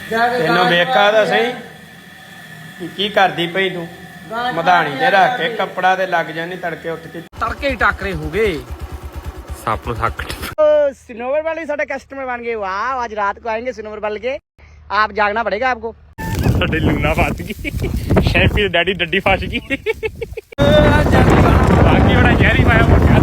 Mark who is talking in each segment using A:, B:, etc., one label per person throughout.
A: ਤੈਨੂੰ ਵੇਖਾ ਤਾਂ ਸਹੀ ਕੀ ਕਰਦੀ ਪਈ ਤੂੰ। ਮਧਾਣੀ ਤੇ ਰੱਖ ਕੇ ਕੱਪੜਾ ਤੇ ਲੱਗ ਜਾਣੀ ਤੜਕੇ ਉੱਠ ਕੇ ਤੜਕੇ ਹੀ ਟਾਕਰੇ ਹੋ ਗਏ ਸੱਪ ਨੂੰ ਥੱਕ। सिनोवर वाले साढ़े कस्टमर बन गए। वाह, आज रात को आएंगे सिनोवर वाले के। आप जागना पड़ेगा आपको। साढ़े लूना फस गई, शैफी डैडी डड्डी फस गई। बाकी बड़ा जहरी पाया मुझे।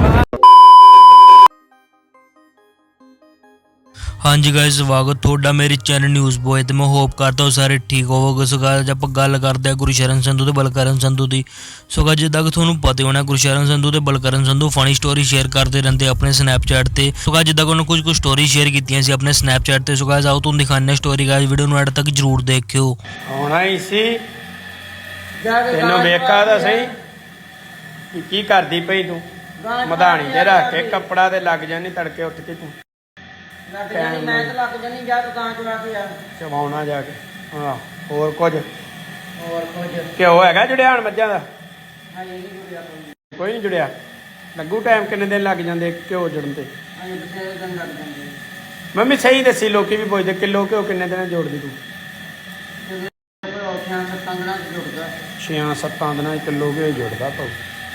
B: हाँ जी गाइस, स्वागत थोड़ा मेरे चैनल न्यूज़ बॉय ते मैं होप करता हूँ सारे ठीक होवोगे। सो गाइस आप गल करते हैं गुरशरण संधू ते बलकरण संधू की। सो गाइस जिद्दां कि तुहानूं पता होना गुरशरण संधू ते Balkaran Sandhu funny story share करते रहते अपने स्नैपचैट ते। सो गाइस जिद्दां कि उन्होंने कुछ स्टोरी शेयर कीतियां सी अपने स्नैपचैट ते। सो गाइस आओ तुहानूं दिखाने स्टोरी। गाइस वीडियो नूं एंड तक जरूर देखियो।
A: आउणा ही सी, तैनूं वेखा तां सही की करदी पई तूं। मधाणी ते रख के कपड़ा ते लग जानी तड़के उठ के तूं ਚਵਾਉਣਾ ਜਾ ਕੇ। ਹਾਂ ਹੋਰ ਕੁਝ ਘਿਓ ਹੈਗਾ ਜੁੜਿਆ ਹੁਣ ਮੱਝਾਂ ਦਾ? ਕੋਈ ਨਹੀਂ ਜੁੜਿਆ। ਲੱਗੂ ਟਾਈਮ ਕਿੰਨੇ ਦਿਨ ਲੱਗ ਜਾਂਦੇ ਘਿਓ ਜੁੜਨ ਤੇ? ਮੰਮੀ ਸਹੀ ਦੱਸੀ, ਲੋਕੀ ਵੀ ਪੁੱਛਦੇ ਕਿਲੋ ਘਿਓ ਕਿੰਨੇ ਦਿਨਾਂ ਜੋੜਦੀ ਤੂੰ? 6-7 ਦਿਨਾਂ ਕਿਲੋ ਘਿਓ ਜੁੜਦਾ ਤੂੰ।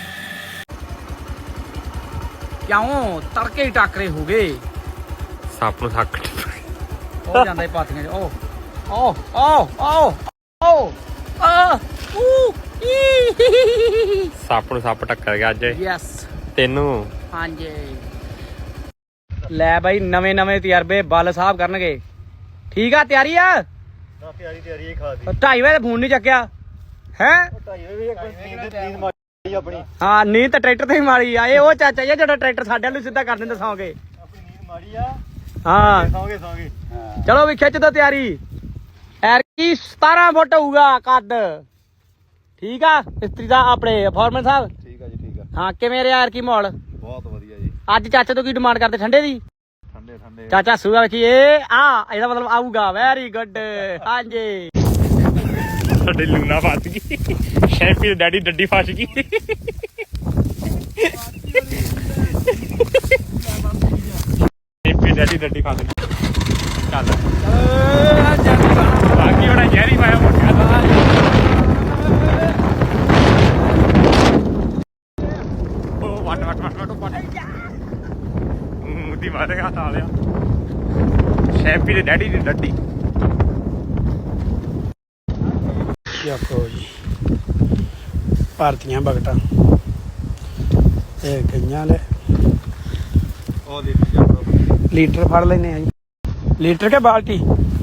A: ਕਿਉਂ ਤੜਕੇ ਹੀ ਟਾਕਰੇ ਹੋ ਗਏ ਸੱਪ ਨੂੰ ਥੱਕ। ਉਹ ਜਾਂਦਾ ਪਾਤੀਆਂ ਚ। ਸੱਪ ਨੂੰ ਸੱਪ ਟੱਕਰ ਗਿਆ ਅੱਜ। ਯੈਸ ਤੈਨੂੰ। ਹਾਂਜੀ ਲੈ ਬਾਈ, ਨਵੇਂ ਤਜਰਬੇ ਬੱਲ ਸਾਹਿਬ ਕਰਨਗੇ। ਠੀਕ ਆ, ਤਿਆਰੀ ਆ? ਤਿਆਰੀ ਖਾ ਦੀ। 2:30 ਵਜੇ ਫੋਨ ਨਹੀਂ ਚੱਕਿਆ ਹੈ? ਹਾਂ ਨੀਂਦ ਤਾਂ ਟਰੈਕਟਰ ਤੇ ਹੀ ਮਾਰੀ ਆ। ਇਹ ਉਹ ਚਾਚਾ ਜੀ ਜਿਹੜਾ ਟਰੈਕਟਰ ਸਾਡੇ ਵੱਲ ਸਿੱਧਾ ਕਰ ਦਿੰਦੇ ਸੌਂਗੇ। ਹਾਂ ਚਲੋ ਵੀ ਖਿੱਚ ਦੋ ਤਿਆਰੀ। ਐਰਕੀ 17 ਫੁੱਟ ਹੋਊਗਾ ਕੱਦ। ਠੀਕ ਆ ਮਿਸਤਰੀ ਦਾ ਆਪਣੇ ਫੋਰਮੈਨ ਸਾਹਿਬ? ਠੀਕ ਆ ਜੀ, ਠੀਕ ਆ। ਹਾਂ ਕਿਵੇਂ ਰਿਹਾ ਐਰਕੀ ਮਾਹੌਲ? ਬਹੁਤ ਵਧੀਆ ਜੀ। ਅੱਜ ਚਾਚੇ ਤੋਂ ਕੀ ਡਿਮਾਂਡ ਕਰਦੇ? ਠੰਡੇ ਦੀ? ਠੰਡੇ ਚਾਚਾ ਸੂਗਾ ਵੇਖੀ। ਇਹ ਆ ਇਹਦਾ ਮਤਲਬ ਆਊਗਾ। Very good. ਹਾਂਜੀ ਸਾਡੇ ਲੂਣਾ ਫਸ ਗਈ, ਸ਼ੈਫੀ ਡੈਡੀ ਡੱਡੀ ਫਸ ਗਈ। ਡੈਡੀ ਡੱਡੀ ਫਸ ਗਈ। ਚੱਲ ਬਾਕੀ ਬੜਾ ਜ਼ਹਿਰੀ ਪਾਇਆ ਮੁੱਠਿਆ ਦਾ। ਉਹ ਵੱਟ ਮੁੱਦੀ ਮਾਰੇਗਾ ਸਾਲਿਆ। ਸ਼ੈਫੀ ਦੇ ਡੈਡੀ ਦੀ ਡੱਡੀ। ਦੇਖੋ ਜੀ ਭਾਰਤੀਆਂ ਬਗਟਾਂ ਇਹ ਗਈਆਂ ਲੈ। ਉਹ ਲੀਟਰ ਫੜ ਲੈਨੇ ਆ ਜੀ। ਲੀਟਰ ਕੇ ਬਾਲਟੀ?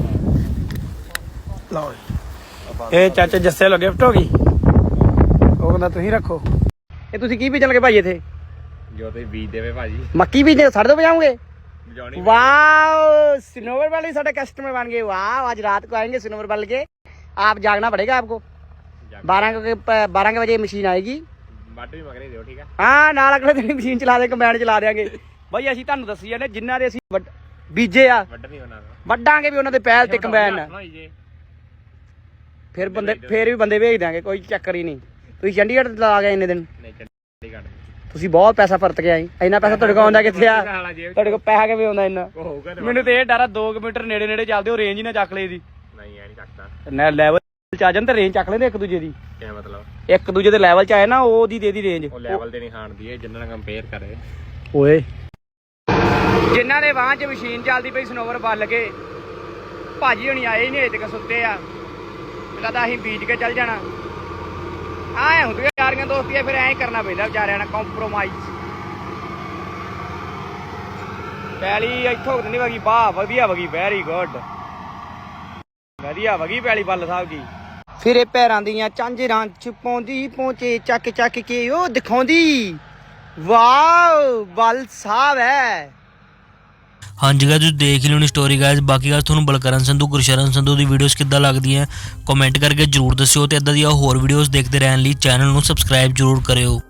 A: ਲਓ ਇਹ ਚਾਚੇ ਜੱਸੇ ਲੋ ਗਿਫਟ ਹੋ ਗਈ। ਉਹ ਕਹਿੰਦਾ ਤੁਸੀਂ ਰੱਖੋ। ਇਹ ਤੁਸੀਂ ਕੀ ਬੀਜਣ ਲੱਗੇ ਭਾਈ ਇੱਥੇ? ਜੋ ਤੁਸੀਂ ਬੀਜ ਦੇਵੇ ਭਾਜੀ। ਮੱਕੀ ਬੀਜਦੇ? ਸਾਡੇ ਤੋਂ ਬਜਾਉਂਗੇ? वाह, सिनोवर वाले साढ़े कस्टमर बन गए। वाह, आज रात को आएंगे सिनोवर वाले के। आप जागना पड़ेगा आपको। 12 के बजे मशीन आएगी। ठीक है? हाँ नाल अगले दिन मशीन चला दे, कंबाइन चला देंगे भाई। ਅਸੀਂ ਤੁਹਾਨੂੰ ਦੱਸੀ ਜਾਂਦੇ ਜਿਨ੍ਹਾਂ ਦੇ ਅਸੀਂ ਬੀਜੇ ਆ ਵੱਡਾਂਗੇ ਵੀ ਉਹਨਾਂ ਦੇ ਪਹਿਲ ਤੇ ਕੰਬਾइन। ਫਿਰ ਵੀ ਬੰਦੇ ਭੇਜ ਦਾਂਗੇ, ਕੋਈ ਚੱਕਰ ਹੀ ਨਹੀਂ। ਤੁਸੀਂ ਚੰਡੀਗੜ੍ਹ ਲਾ ਗਏ ਇੰਨੇ ਦਿਨ? ਤੁਸੀਂ ਬਹੁਤ ਪੈਸਾ ਫਰਤ ਕੇ ਆਏ। ਇੰਨਾ ਪੈਸਾ ਤੁਹਾਡੇ ਕੋਲ ਆਉਂਦਾ ਕਿੱਥੇ ਆ? ਤੁਹਾਡੇ ਕੋਲ ਪੈਸਾ ਕਿਵੇਂ ਆਉਂਦਾ ਇੰਨਾ? ਮੈਨੂੰ ਤੇ ਇਹ ਡਰ ਆ 2 ਕਿਲੋਮੀਟਰ ਨੇੜੇ ਚੱਲਦੇ ਹੋ ਰੇਂਜ ਹੀ ਨਾ ਚੱਕ ਲੈ ਦੀ। ਨਹੀਂ ਐ ਨਹੀਂ ਚੱਕਦਾ। ਨਾ ਲੈਵਲ ਚ ਆ ਜਾਣ ਤੇ ਰੇਂਜ ਚੱਕ ਲੈਂਦੇ ਇੱਕ ਦੂਜੇ ਦੀ। ਕੀ ਮਤਲਬ? ਇੱਕ ਦੂਜੇ ਦੇ ਲੈਵਲ ਚ ਆਏ ਨਾ ਉਹਦੀ ਦੇ ਦੀ ਰੇਂਜ। ਉਹ ਲੈਵਲ ਤੇ ਨਹੀਂ ਖਾਣਦੀ ਇਹ ਜਿੰਨਾਂ ਨਾਲ ਕੰਪੇਅਰ ਕਰੇ। ਓਏ ਜਿਨ੍ਹਾਂ ਦੇ ਵਾਹ ਚ ਮਸ਼ੀਨ ਚੱਲਦੀ ਪਈ ਸਿਨੋਵਰ ਬੱਲ ਕੇ ਭਾਜੀ ਹੁਣੀ ਆਏ ਹੀ ਨਹੀਂ ਅਜੇ ਤੱਕ, ਸੁੱਤੇ ਆ। ਲੱਗਦਾ ਅਸੀਂ ਬੀਜ ਕੇ ਚੱਲ ਜਾਣਾ। ਆਏ ਹੁੰਦੀਆਂ ਯਾਰੀਆਂ ਦੋਸਤੀਆਂ, ਫਿਰ ਐਂ ਕਰਨਾ ਪੈਂਦਾ ਵਿਚਾਰਿਆਂ ਨਾਲ ਕੰਪਰੋਮਾਈਜ਼। ਪੈਲੀ ਇੱਥੋਂ ਨਹੀਂ ਵਗੀ। ਵਾਹ ਵਧੀਆ ਵਗੀ, ਵੈਰੀ ਗੁੱਡ। ਵਧੀਆ ਵਗੀ ਪੈਲੀ ਬੱਲ ਸਾਹਿਬ ਦੀ। ਫਿਰ ਇਹ ਪੈਰਾਂ ਦੀਆਂ ਝਾਂਜਰਾਂ ਚ ਪਾਉਂਦੀ ਪਹੁੰਚੇ ਚੱਕ ਕੇ ਉਹ ਦਿਖਾਉਂਦੀ। ਵਾਹ ਬੱਲ ਸਾਹਿਬ ਹੈ।
B: हाँ जी गाइस देख ली स्टोरी गाइस। बाकी गाइस तुहानूं बलकरण संधू गुरशरण संधू की वीडियोज़ किद्दां लगदियां कमेंट करके जरूर दस्सिओ ते इदां दी होर वीडियोज़ देखते रहने लई चैनल नूं सबसक्राइब जरूर करिओ।